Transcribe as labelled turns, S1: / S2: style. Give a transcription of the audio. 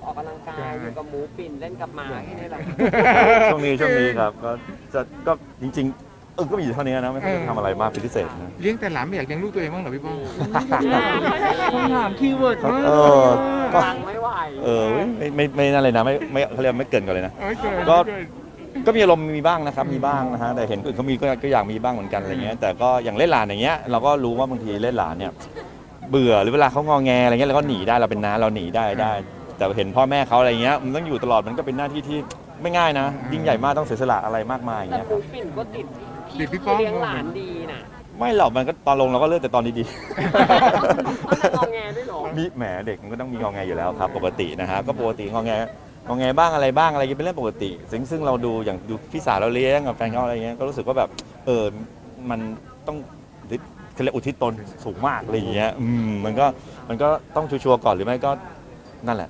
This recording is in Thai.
S1: ออกกำลังกายอยู่กับหมูปิ่นเล่นกับหมาแค่นี้แหละ
S2: ช่วงนี้ครับก็จริงๆก็มีอยู่เท่านี้นะไม่ได้ทำอะไรมากเป็นพิเศษนะ
S3: เลี้ยงแต่หลานไม่อยากเลี้ยงลูกตัวเองบ้างเหรอพี่ป้อง
S4: คำถามคีย์เวิร์ดมาก
S2: ก็
S1: ฟังไม่ไหว
S2: ไม่นั่นเลยนะไม่เขาเรียกไม่เกินกันเลยนะ
S3: เอ้ยเกิน
S2: ก็
S3: เกิน
S2: ก็มีอารมณ์มีบ้างนะครับมีบ้างนะฮะแต่เห็นคนอื่นเขามีก็อยากมีบ้างเหมือนกันอะไรเงี้ยแต่ก็อย่างเล่นหลานอย่างเงี้ยเราก็รู้ว่าบางทีเล่นหลานเนี่ยเบื่อหรือเวลาเขางอแงอะไรเงี้ยเราก็หนีได้เราเป็นน้าเราหนีได้ แต่เห็นพ่อแม่เขาอะไรเงี้ยมันต้องอยู่ตลอดมันก็เป็นหน้าที่ที่ไม่ง่ายนะยิ่งใหญ่มากต้องเสียสละอะไรมากมายอย่าง
S1: แต่
S2: เงี้ย
S1: หมูปิ่นก็ติด
S3: ติดพี่ป้อง
S1: เลี้ยงหลานดีน่ะ
S2: ไม่หรอกมันก็ตอนลงเราก็เลิกแต่ตอนดี
S1: เขาจะงอแงด้วยเหรอ
S2: ๆ มีแหมเด็กมันก็ต้องมีงอแงอยู่แล้วครับปกตินะฮะก็ปกติงอแงบ้างอะไรบ้างอะไรเป็นเรื่องปกติซึ่งเราดูอย่างดูพี่สาวเราเลี้ยงกับแฟนเขาอะไรเงี้ยก็รู้สึกว่าแบบมันต้องเขาเรียกอุทิศตนสูงมากอะไรอย่างเงี้ยมันก็ต้องชัวร์ๆก่อนหรือไม่ก็นั่นแหละ